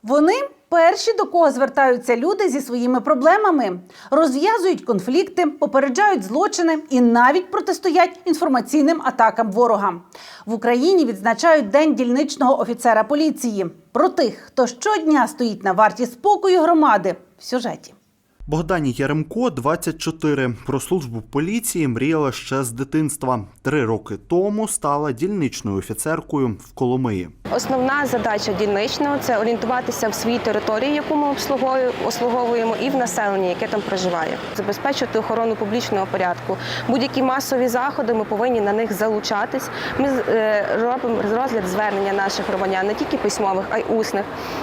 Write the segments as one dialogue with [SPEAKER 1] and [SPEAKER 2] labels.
[SPEAKER 1] Вони перші, до кого звертаються люди зі своїми проблемами, розв'язують конфлікти, попереджають злочини і навіть протистоять інформаційним атакам ворога. В Україні відзначають День дільничного офіцера поліції. Про тих, хто щодня стоїть на варті спокою громади, в сюжеті.
[SPEAKER 2] Богдані Яремко 24. Про службу в поліції мріяла ще з дитинства. 3 роки тому стала дільничною офіцеркою в Коломиї.
[SPEAKER 3] Основна задача дільничного – це орієнтуватися в своїй території, яку ми обслуговуємо, і в населенні, яке там проживає. Забезпечувати охорону публічного порядку. Будь-які масові заходи, ми повинні на них залучатись. Ми робимо розгляд звернення наших громадян, не тільки письмових, а й усних.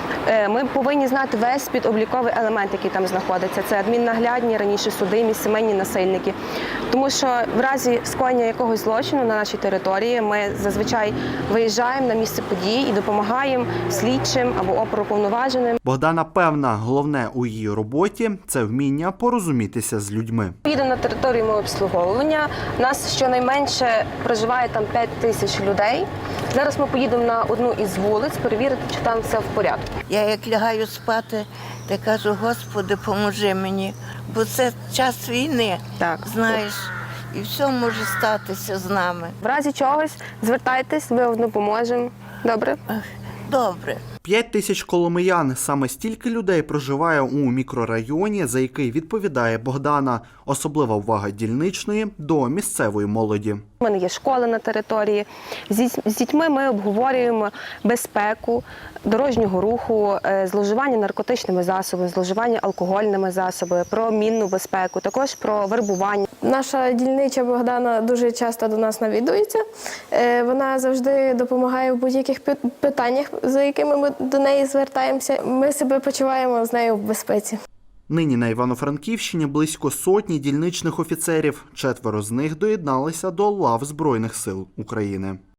[SPEAKER 3] Ми повинні знати весь підобліковий елемент, який там знаходиться. Це адміннаглядні, раніше судимі, сімейні насильники. Тому що в разі скоєння якогось злочину на нашій території ми зазвичай виїжджаємо на місце події і допомагаємо слідчим або оперуповноваженим.
[SPEAKER 2] Богдана певна, головне у її роботі – це вміння порозумітися з людьми.
[SPEAKER 3] Їдемо на територію мого обслуговування. У нас щонайменше проживає там 5 тисяч людей. Зараз ми поїдемо на одну із вулиць, перевірити, чи там все в порядку.
[SPEAKER 4] Я як лягаю спати, то кажу, Господи, поможи мені, бо це час війни,
[SPEAKER 3] Так.
[SPEAKER 4] знаєш, і все може статися з нами.
[SPEAKER 3] В разі чогось звертайтесь, ми вам допоможемо. Добре?
[SPEAKER 4] Добре.
[SPEAKER 2] 5 тисяч коломиян – саме стільки людей проживає у мікрорайоні, за який відповідає Богдана. Особлива увага дільничної до місцевої молоді.
[SPEAKER 3] У мене є школа на території. З дітьми ми обговорюємо безпеку дорожнього руху, зловживання наркотичними засобами, зловживання алкогольними засобами, про мінну безпеку, також про вербування.
[SPEAKER 5] Наша дільнича Богдана дуже часто до нас навідується. Вона завжди допомагає в будь-яких питаннях, за якими ми до неї звертаємося. Ми себе почуваємо з нею в безпеці.
[SPEAKER 2] Нині на Івано-Франківщині близько сотні дільничних офіцерів. 4 з них доєдналися до лав Збройних сил України.